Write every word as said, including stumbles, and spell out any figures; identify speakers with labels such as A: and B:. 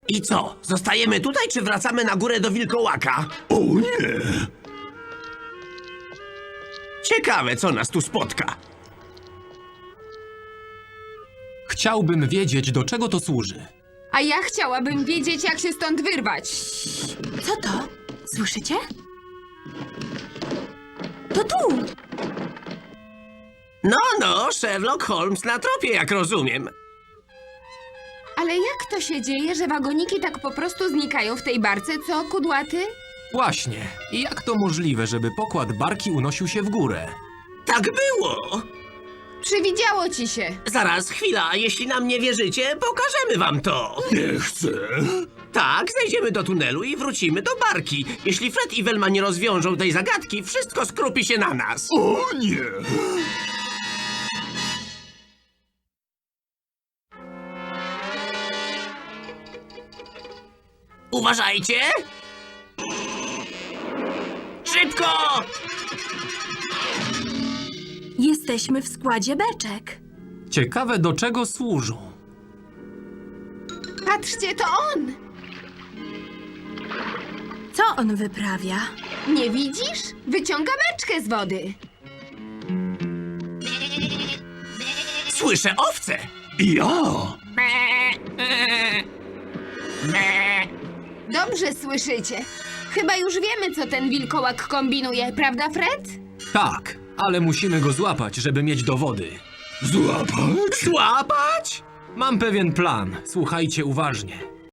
A: I co? Zostajemy tutaj, czy wracamy na górę do wilkołaka?
B: O nie!
A: Ciekawe, co nas tu spotka.
C: Chciałbym wiedzieć, do czego to służy.
D: A ja chciałabym wiedzieć, jak się stąd wyrwać.
E: Co to? Słyszycie? To tu!
A: No, no, Sherlock Holmes na tropie, jak rozumiem.
D: Ale jak to się dzieje, że wagoniki tak po prostu znikają w tej barce, co, kudłaty?
C: Właśnie. I jak to możliwe, żeby pokład barki unosił się w górę?
A: Tak było.
D: Przywidziało ci się.
A: Zaraz, chwila, jeśli nam nie wierzycie, pokażemy wam to.
B: Nie chcę!
A: Tak, zejdziemy do tunelu i wrócimy do barki. Jeśli Fred i Velma nie rozwiążą tej zagadki, wszystko skrupi się na nas.
B: O nie!
A: Uważajcie! Szybko!
E: Jesteśmy w składzie beczek.
C: Ciekawe, do czego służą.
D: Patrzcie, to on!
E: Co on wyprawia?
D: Nie widzisz? Wyciąga beczkę z wody.
A: Słyszę owce!
B: Ja!
D: Dobrze słyszycie. Chyba już wiemy, co ten wilkołak kombinuje, prawda, Fred?
C: Tak, ale musimy go złapać, żeby mieć dowody.
B: Złapać?
A: Złapać?
C: Mam pewien plan. Słuchajcie uważnie.